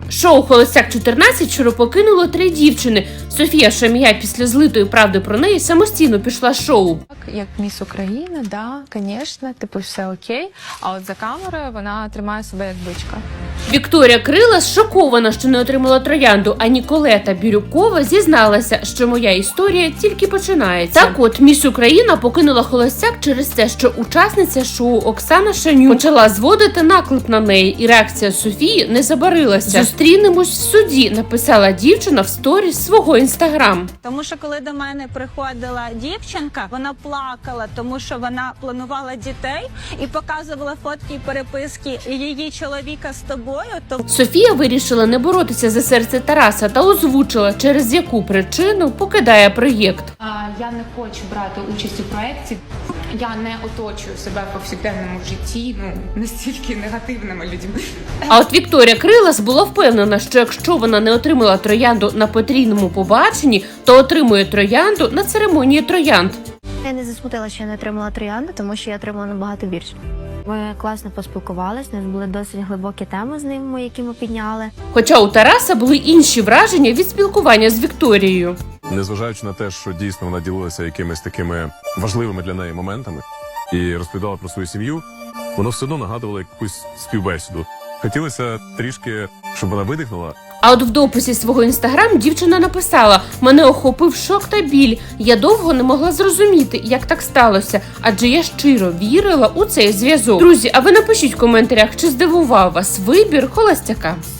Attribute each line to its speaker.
Speaker 1: Шоу «Холостяк-14» вчора покинуло 3 дівчини. Софія Шамія після злитої правди про неї самостійно пішла з шоу.
Speaker 2: Як міс України, да, звісно, типу все окей, а от за камерою вона тримає себе як бичка.
Speaker 1: Вікторія Крилас шокована, що не отримала троянду, а Ніколета Бірюкова зізналася, що моя історія тільки починається. Так от, міс Україна покинула «Холостяк» через те, що учасниця шоу Оксана Шанюк почала зводити наклеп на неї, і реакція Софії не забарилася. «Зустрінемось в суді», написала дівчина в сторіс свого інстаграм.
Speaker 3: Тому що коли до мене приходила дівчинка, вона плакала, тому що вона планувала дітей і показувала фотки і переписки її чоловіка з тобою.
Speaker 1: Софія вирішила не боротися за серце Тараса та озвучила, через яку причину покидає проєкт.
Speaker 4: Я не хочу брати участь у проєкті. Я не оточую себе в повсякденному житті, настільки негативними людьми.
Speaker 1: А от Вікторія Крилас була впевнена, що якщо вона не отримала троянду на потрійному побаченні, то отримує троянду на церемонії троянд.
Speaker 5: Я не засмутила, що я не отримала троянду, тому що я отримала набагато більше. Ми класно поспілкувалися, у нас були досить глибокі теми з ним, які ми підняли.
Speaker 1: Хоча у Тараса були інші враження від спілкування з Вікторією.
Speaker 6: Незважаючи на те, що дійсно вона ділилася якимись такими важливими для неї моментами і розповідала про свою сім'ю, воно все одно нагадувало якусь співбесіду. Хотілося трішки, щоб вона видихнула.
Speaker 1: А от в дописі свого інстаграм дівчина написала: «Мене охопив шок та біль. Я довго не могла зрозуміти, як так сталося, адже я щиро вірила у цей зв'язок». Друзі, а ви напишіть в коментарях, чи здивував вас вибір холостяка.